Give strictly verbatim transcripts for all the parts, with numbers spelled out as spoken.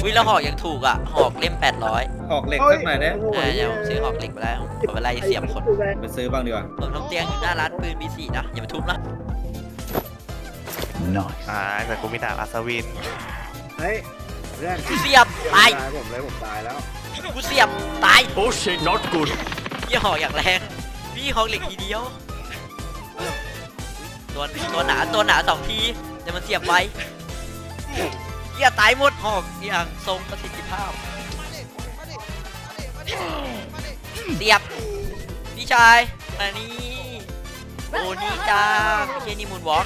ยแล้วหอกยังถูกอ่ะหอกเล่มแปดร้อยหอกเหล็กสักหน่อยนะอ่าเดี๋ยวผมซื้อหอกเหล็กไปแล้วเอาไปไล่เสียบคนไปซื้อบ้างดีกว่าผมทำเตียงอยู่หน้าร้านปืนบีสี่นะอย่ามาทุบนะอ่าแต่กูมีดาบอัศวินเฮ้ยเพื่อนกูเสียบตายตายผมเลยผมตายแล้วกูเสียบตายโอ้เชน not good พี่หอกอย่างแรงพี่หอกเหล็กทีเดียวตัวตัวหนาตัวหนาสองทีแต่มันเสียบไว้เหี้ยตายหมดหอกอย่างทรงประสิทธิภาพเสียบพี่ชายมานี่โอ้นี่จ้าไม่ใช่นี่มูนวอล์ก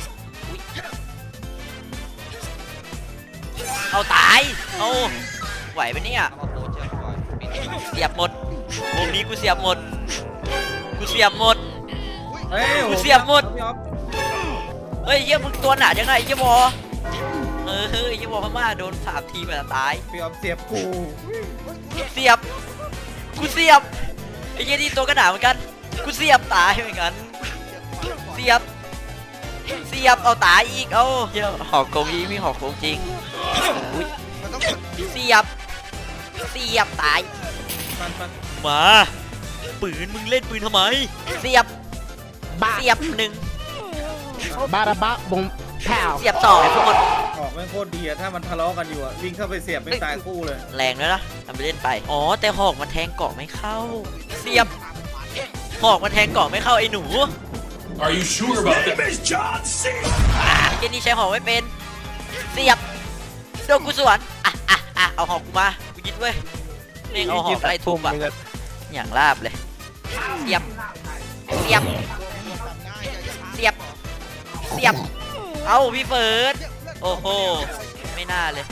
เอาตายเอาไหวปะเนี่ยเสียบหมดวงนี้กูเสียบหมดกูเสียบหมดเฮ้ยกูเสียบหมดพี่อ๊อฟเฮ้ยเยี่ยมึงตัวหนาจังไงเยี่ยบอเออเฮ้ยเยี่ยบอพม่าโดนสามทีแบบตายพี่อ๊อฟเสียบกูเสียบกูเสียบไอ้เยี่ยนี่ตัวกระหนาเหมือนกันกูเสียบตายเหมือนกันเสียบเสียบเอาตายอีกเอาเยี่ยหอกโกงอีมีหอกโกงจริงอุ้ยเสียบเสียบตายมันมันมาปืนมึงเล่นปืนทำไมเสียบเสียบหนึ่งบาราบะบงแผ่วเสียบสองหมดหอกแม่งโคตรดีอะถ้ามันทะเลาะกันอยู่อะวิ่งเข้าไปเสียบไม่ตายคู่เลยแรงแล้วนะทำไปเล่นไปอ๋อแต่หอกมันแทงเกาะไม่เข้าเสียบหอกมันแทงเกาะไม่เข้าไอ้หนู Are you sure about that Miss John C อ่าเจนี่ใช้หอกไม่เป็นเสียบโดนกูสวนอ่ะอ่ะอ่ะเอาหอกกูมากูยึดเว้ยเน่งเอาหอกไล่ทุบอะอย่างลาบเลยเสียบเสียบเสียบเสียบเอาพี่เฟิร์สโอ้โหไม่น่าเลย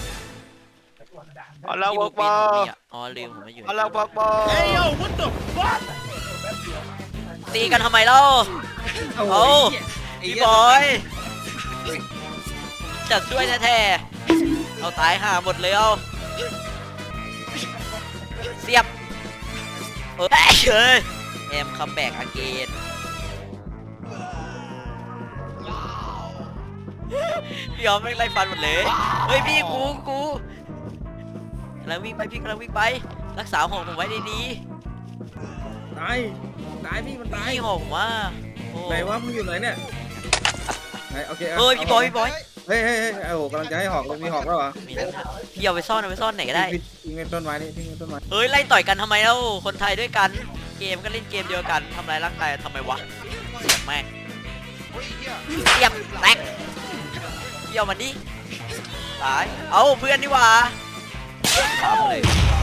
เอาแล้วที่บอกเป็บนอผมมีอ่ะอ๋อลืมผมมาอยู่เอาแล้วบอกบอตีกันทำไมเล่าเอาเอาไอ้พี่เหี้บอยจัดช่วยแท้ๆเอาตายห่าหมดเลยเอาเสียบเออเฮ้ยแอมคัมแบ็กอาเกนพี่ยอมไม่งไล่ฟันหมดเลยเฮ้ยพี่กูกูกำลังวิ่งไปพี่กำลังวิ่งไปรักษาหอกผมไว้ดีตายตายพี่มันๆตายพี่หอกผมว่าโอ้ไหนวะมึงอยู่ไหนเนี่ยไหนโอเคเฮ้ยพี่บอยพี่บอยเฮ้ยเฮ้ยเฮ้ยโอ้โหกำลังจะให้หอกเลยมีหอกแล้วเหรอมีแล้วพี่เอาไปซ่อนเอาไปซ่อนไหนก็ได้ทิ้งไว้ต้นไม้นี่ทิ้งไว้ต้นไม้เฮ้ยไล่ต่อยกันทำไมเล่าคนไทยด้วยกันเกมก็เล่นเกมเดียวกันทำลายร่างกายทำไมวะเสียบแม่งเสียบแตกเกี่ยวมันดิตายเอาเพื่อนดีกว่าตามเลย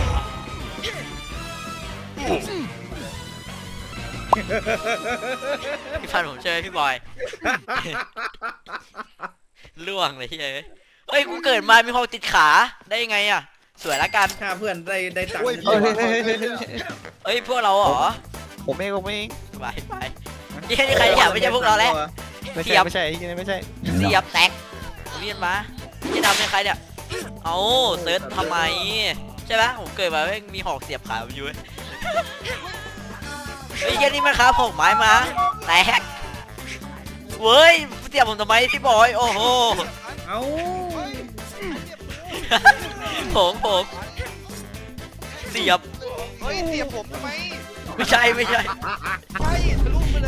พี่พันผมเจอพี่บอยล่วงเลยเฮ้ยเฮ้ยกูเกิดมามีหอกติดขาได้ยังไงอะสวยละกันถ้าเพื่อนได้ได้ตังค์เฮ้ยเยเฮ้ยอะเฮ้ยเฮ้ยเฮ้ยเฮ้ยพวกเราเหรอผมเองผมเองไปไปนี่ใครอยากไม่ใช่พวกเราแล้วไม่เทีใช่ยบไม่ใช่ไม่ใช่ไม่ใช่เสียบแตกเรียนมาจะดำเป็นใครเนี่ยเอาเซิร์ชทำไมใช่ไหมผมเกิดมาไม่มีหอกเสียบขาอยู่เฮ้ยเฮียนี่มันครับหอกไม้มาแตกเว้ยเสียบผมทำไมพี่บอยโอ้โหเอ้าผมผมเสียบเฮ้ยเสียบผมทำไมไม่ใช่ไม่ใช่ใช่ทะลุไปเลย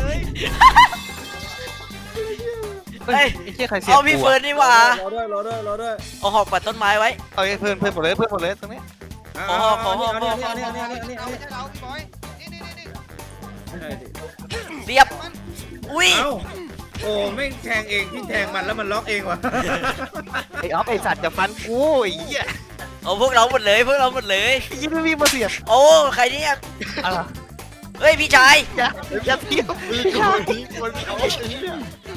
เฮ้ยไอ้เหี้ยใครเสียบเอาพี่เฟิร์นนี่หว่ารอด้วยรอด้วยรอด้วยเอาหอกปัดต้นไม้ไว้เอาเพื่อนเพื่อนหมดเลยเพื่อนหมดเลยตรงนี้ขอขอขอขอเนี่ยเนี่ยเนี่ยเนี่ยเนี่ยเอาไม่ใช่เราพี่บอยนี่นี่นี่เสียบอุ้ยเอ้าโอ้ไม่แทงเองพี่แทงมันแล้วมันล็อกเองว่ะไอ้ออฟไอ้สัตว์จะฟันกูไอ้เหี้ยเอาพวกเราหมดเลยพวกเราหมดเลยไอ้ยี่ไม่มีมาเสียบโอ้ใครเนี่ยอะไรเฮ้ยพี่ชายอย่าอย่าเทียบมือกูมันเอาไอ้เหี้ย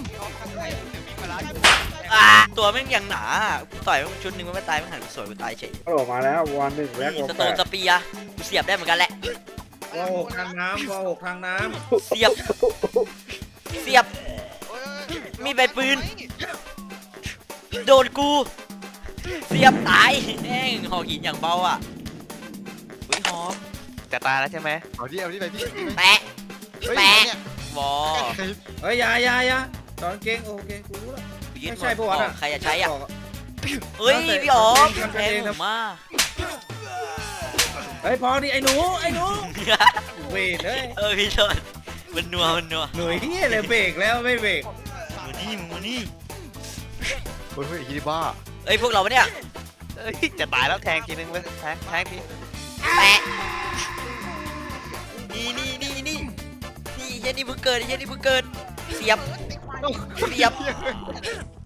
อ่าตัวแม่งอย่างหนากูต่อยมันชุดหนึงมันไม่ตายมันหันไปสวยกูตายเฉยโอ้มาแล้ววันหนึ่งแรกนี่วันสแปโตนดสเปียร์กูเสียบได้เหมือนกันแหละวอหกทางน้ำวอหกทางน้เสียบเสียบมีใบปืนโดนกูเสียบตายแม่งหอกหินอย่างเบาอ่ะอุ้ยหอมจะตายแล้วใช่ไหมเอาดิเอาดิไปพี่แปะแปะวอำเฮ้ยอยาอยาอยาตอนเก่งโอเคกูรู้แล้วกูยึดไม่หมใช่ดปะวะหอน่ะกใครจะใช้อ่ะเฮ้ยพี่อ๋อแทงผมมาเฮ้ยพอดิไอ้หนูไอ้หนูเวทเฮ้ยเออพี่โทษมันนัวมันนัวหน่วยเฮียเลยเบรกแล้วไม่เบรกมานี่มานี่เฮ้ยเฮ้ยฮีบ้าเอ้ยพวกเราปะเนี่ยเอ้ยจะตายแล้วแทงทีนึงเลยแทงแทงทีแปะนี่นี่นี่นี่นี่เฮียนี่เพิ่งเกิดเฮียนี่เพิ่งเกิดเสียบเสียบ